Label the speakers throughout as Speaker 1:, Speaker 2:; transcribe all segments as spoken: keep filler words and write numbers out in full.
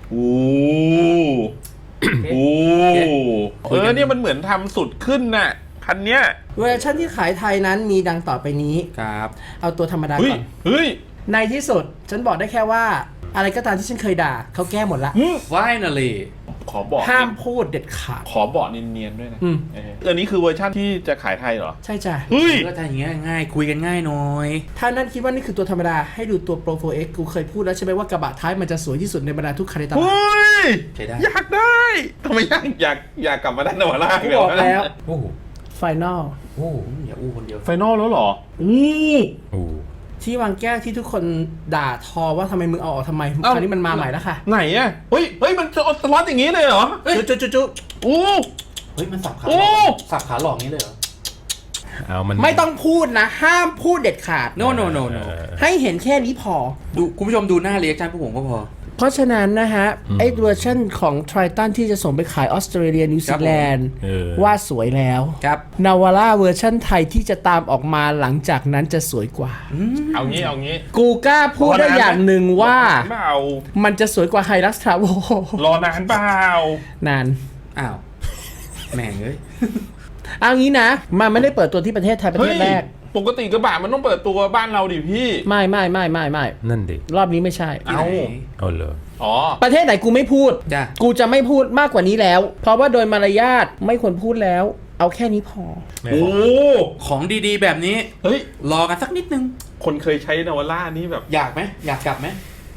Speaker 1: โอ้โหเออเนี่ยมันเหมือนทำสุดขึ้นน่ะคันเนี้ย
Speaker 2: เวอร์ชันที่ขายไทยนั้นมีดังต่อไปนี้
Speaker 3: ครับ
Speaker 2: เอาตัวธรรมดาก่อน
Speaker 1: เฮ้ย
Speaker 2: ในที่สุดฉันบอกได้แค่ว่าอะไรก็ตามที่ฉันเคยด่าเขาแก้หมดละ
Speaker 3: finally
Speaker 1: ขอบอก
Speaker 2: ห้ามพูดเด็ดขาด
Speaker 1: ขอบอกเนียนๆด้วยนะเอออันนี้คือเวอร์ชันที่จะขายไทยเหรอ
Speaker 2: ใช่จ้ะ
Speaker 1: เฮ้ย
Speaker 3: ก็จะอย่างเงี้ยง่ายคุยกันง่ายหน่อย
Speaker 2: ถ้านั่นคิดว่านี่คือตัวธรรมดาให้ดูตัว Pro โฟร์ เอ็กซ์ กูเคยพูดแล้วใช่ไหมว่ากระบะท้ายมันจะสวยที่สุดในบรรดาทุกคันในตลาด
Speaker 1: เฮ้ย
Speaker 3: ใช่ได้
Speaker 1: อยากได้ทำไมอยากอยากอยากกลับมาด้านนวาร่า
Speaker 2: กูบอกแล้ว
Speaker 3: โอ้
Speaker 2: ไฟนอล
Speaker 3: โอ้อย่าอู้คนเดียว
Speaker 1: ไฟนอลแล้วเหรอ
Speaker 2: อู้ที่วางแก้วที่ทุกคนด่าทอว่าทำไมมึงเอาออกทำไมคราวนี้มันมาใหม่แล้วค่ะ
Speaker 1: ไหนอ่ะเฮ้ยเฮ้ยมันจะสล็อตอย่างนี้เลยเหรอ
Speaker 2: จุ๊จุ๊จุ๊จุ๊
Speaker 1: โอ้
Speaker 3: เฮ้ยมันสับขาสับขาหลอกนี้เลยเหรอ
Speaker 2: เอามันไม่ต้องพูดนะห้ามพูดเด็ดขาด
Speaker 3: no no no no
Speaker 2: ให้เห็นแค่นี้พอ
Speaker 3: ดูคุณผู้ชมดูหน้าเรียกชันพวกผมก็พอ
Speaker 2: เพราะฉะนั้นนะฮะไอ้เวอร์ชันของ Triton ที่จะส่งไปขายออสเตรเลียนิวซีแลนด์ว่าสวยแล้ว
Speaker 3: ครับ
Speaker 2: นาวาร่าเวอร์ชันไทยที่จะตามออกมาหลังจากนั้นจะสวยกว่า
Speaker 1: เอางี้เอางี้
Speaker 2: กูกล้าพูดได้อย่างหนึ่งว่ามันจะสวยกว่าไฮรักซ์ทราโว
Speaker 1: รอนานเปล่าน
Speaker 2: าน
Speaker 3: อ้าวแม่งเอ้ย
Speaker 2: เอางี้นะมันไม่ได้เปิดตัวที่ประเทศไทยประเทศแรก
Speaker 1: ปกติกระบะมันต้องเปิดตัวบ้านเราดิพี่
Speaker 2: ไม่ไม่ไม่ไม่ไม่
Speaker 4: นั่นดิ
Speaker 2: รอบนี้ไม่ใช่
Speaker 1: เอา
Speaker 4: เอาเลย
Speaker 1: อ๋อ
Speaker 2: ประเทศไหนกูไม่พูดกูจะไม่พูดมากกว่านี้แล้วเพราะว่าโดยมารยาทไม่ควรพูดแล้วเอาแค่นี้พอ
Speaker 1: โอ้
Speaker 3: ของดีๆแบบนี้
Speaker 1: เฮ้ย
Speaker 3: รอกันสักนิดนึง
Speaker 1: คนเคยใช้นาวาร่านี่แบบ
Speaker 3: อยากไหมอยากกลับไหม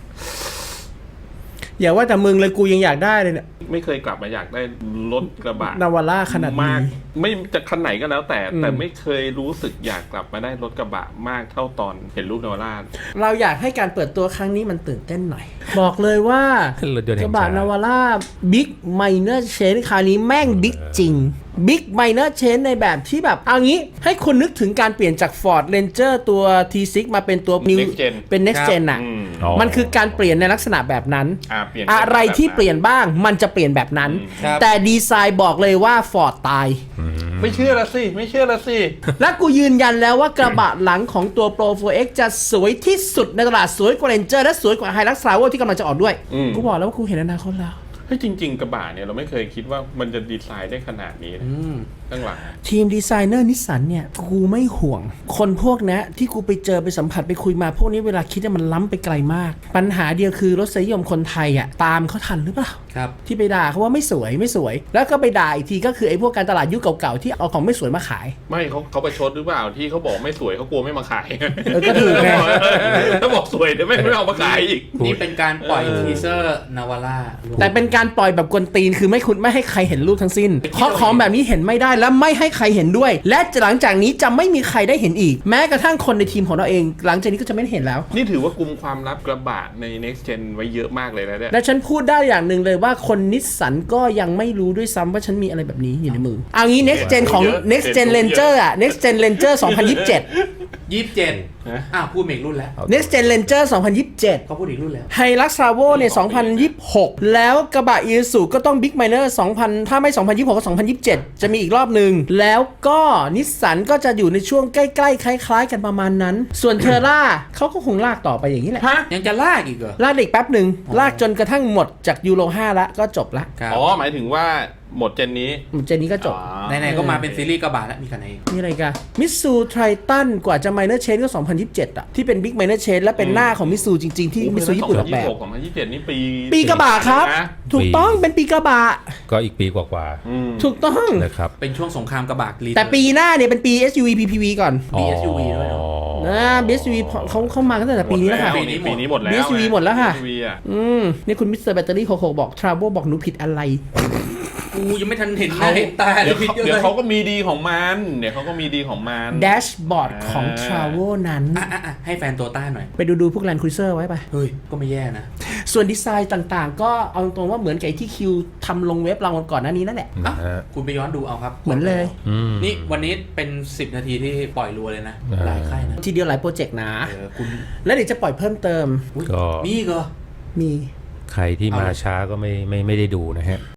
Speaker 2: อย่าว่าแต่มึงเลยกูยังอยากได้เลยเนี่ย
Speaker 1: ไม่เคยกลับมาอยากได้รถกระบะ
Speaker 2: นาวาร่าขนาด
Speaker 1: มากไม่จะคันไหนก็แล้วแต่แต่ไม่เคยรู้สึกอยากกลับมาได้รถกระบะมากเท่าตอนเห็นรูปนาวาร่า
Speaker 2: เราอยากให้การเปิดตัวครั้งนี้มันตื่นเต้นหน่อยบอกเลยว่ากระบะนาวาร่าบิ๊กไมเนอร์เชนคราวนี้แม่งบิ๊กจริงบิ๊กไมเนอร์เชนในแบบที่แบบเอางี้ให้คุณนึกถึงการเปลี่ยนจาก Ford Ranger ตัว ที ซิกซ์ มาเป็นตัว New เป็น Next Gen น่ะมันคือการเปลี่ยนในลักษณะแบบนั้นอะไรที่เปลี่ยนบ้างมันจะเปลี่ยนแบบนั้นแต่ดีไซน์บอกเลยว่า Ford ตาย
Speaker 1: ไม่เชื่อละสิไม่เชื่อละสิ
Speaker 2: และกูยืนยันแล้วว่ากระบะหลังของตัว Pro โฟร์ เอ็กซ์ จะสวยที่สุดในตลาดสวยกว่า Ranger และสวยกว่า Hilux Travel ที่กำลังจะออกด้วยกูบอกแล้วว่ากูเห็นอนาคตแล้ว
Speaker 1: ให้จริงๆกระบะเนี่ยเราไม่เคยคิดว่ามันจะดีไซน์ได้ขนาดนี้ตั้งหลัง
Speaker 2: ทีมดีไซเนอร์นิสสันเนี่ยกูไม่ห่วงคนพวกนี้ที่กูไปเจอไปสัมผัสไปคุยมาพวกนี้เวลาคิดเนี่ยมันล้ำไปไกลมากปัญหาเดียวคือรสนิยมคนไทยอ่ะตามเขาทันหรือเปล่า
Speaker 3: ครับ
Speaker 2: ที่ไปด่าเขาว่าไม่สวยไม่สวยแล้วก็ไปด่าอีกทีก็คือไอ้พวกการตลาดยุคเก่าๆที่เอาของไม่สวยมาขาย
Speaker 1: ไม่เขาเขาไปชดหรือเปล่าที่เขาบอกไม่สวยเขากลัวไม่มาขาย
Speaker 2: เออก็ถูกไง
Speaker 1: ถ้าบอกสวยเดี๋ยวไม่ไม่เอามาขายอีก
Speaker 3: นี่เป็นการปล่อยทีเซอร์นาวาร่า
Speaker 2: แต่เป็นการปล่อยแบบกวนตีนคือไม่คุณไม่ให้ใครเห็นรูปทั้งสิ้นเพราะของแบบนี้เห็นไม่ได้และไม่ให้ใครเห็นด้วยและหลังจากนี้จะไม่มีใครได้เห็นอีกแม้กระทั่งคนในทีมของเราเองหลังจากนี้ก็จะไม่เห็นแล้ว
Speaker 1: นี่ถือว่ากุมความลับกระบะใน Next Gen ไว้เยอะมากเลยนะเนี่ย
Speaker 2: และฉันพูดได้อย่างหนึ่งเลยว่าคนนิสสันก็ยังไม่รู้ด้วยซ้ำว่าฉันมีอะไรแบบนี้อยู่ในมือเอางี้ Next Gen ของ Next Gen Ranger อ่ะ Next Gen Ranger สองพันยี่สิบเจ็ด
Speaker 3: ยี่สิบเจ็ดอ้าวพูดอีกรุ่นแล้ว
Speaker 2: Next Gen Ranger สองพันยี่สิบเจ็ด
Speaker 3: เขาพูดอีกรุ่นแล้ว
Speaker 2: Hilux Travel เนี่ยสองพันยี่สิบหกแล้วกระบะ Isuzu ก็ต้อง Big Miner สองพันถ้าไม่สองพันยี่สิบหกก็สองพันยี่สิบเจ็ดจะมีอีกรอบนึงแล้วก็นิสสันก็จะอยู่ในช่วงใกล้ๆคล้ายๆกันประมาณนั้นส่วนเทอร่าเขาก็คงลากต่อไปอย่างนี้แหละ
Speaker 3: ยังจะลากอีกเหรอ
Speaker 2: ลากอีกแป๊บหนึ่งลากจนกระทั่งหมดจากยูโรห้าแล้วก็จบละ
Speaker 1: อ๋อหมายถึงว่าหมดเจนนี้
Speaker 2: หมดเจนนี้ก็จบ
Speaker 3: ไหนๆก็มาเป็นซีรีส์กระบะแล้วมีคันไหน
Speaker 2: นี่อะไรกันมิตซูไททันกว่าจะไมเนอร์เชนก็สองพันยี่สิบเจ็ดอ่ะที่เป็นบิ๊กไมเนอร์เชนและเป็นหน้าของมิตซูจริงๆที่มิตซูญี่ปุ่นออกแบบ
Speaker 1: สองพันยี่สิบเจ็ดนี่ปี
Speaker 2: ปีกระบะครับถูกต้องเป็นปีกระบะ
Speaker 4: ก็อีกปีกว่า
Speaker 2: ๆถูกต้อง
Speaker 4: นะครับ
Speaker 3: เป็นช่วงสงครามกระบะ
Speaker 2: แต่ปีหน้าเนี่ยเป็นปี เอส ยู วี พี พี วี ก่อน
Speaker 3: ปี เอส ยู วี ด้วย
Speaker 2: นะ บี เอส ยู วี เขาเข้ามาตั้งแต่ปีนี้แล้วค่ะ
Speaker 1: ปีนี้ปีนี้หมดแล้ว
Speaker 2: บี เอส ยู วี หมดแล้วค่ะอืมนี่คุณมิสเตอร์แบตเตอรี่หกหกบอก Travel บอกหนูผิดอะไร
Speaker 3: กูยังไม่ทันเห็นเลยตา
Speaker 1: เดี๋ยวเดี๋ยวเขาก็มีดีของมันเดี๋ยวเขาก็มีดีของมัน
Speaker 2: แดชบอร์ดของ Travel นั้น
Speaker 3: ให้แฟนตัวต้าหน่อย
Speaker 2: ไปดูดูพวก Land Cruiser ไว้ไป
Speaker 3: เฮ้ยก็ไม่แย่นะ
Speaker 2: ส่วนดีไซน์ต่างๆก็เอาตรงว่าเหมือนกับที่คิวทำลงเว็บเราก่อนหน้านี้นั่นแหละ
Speaker 3: คุณไปย้อนดูเอาครับ
Speaker 2: เหมือนเลย
Speaker 3: นี่วันนี้เป็นสิบนาทีที่ปล่อยรัวเลยนะหลายค่ายนะ
Speaker 2: ทีเดียวหลายโปรเจกต์นะแล้วเดี๋ยวจะปล่อยเพิ่มเติม
Speaker 3: มีก็
Speaker 2: มี
Speaker 4: ใครที่มาช้าก็ไม่ไม่ไม่ได้ดูนะฮะ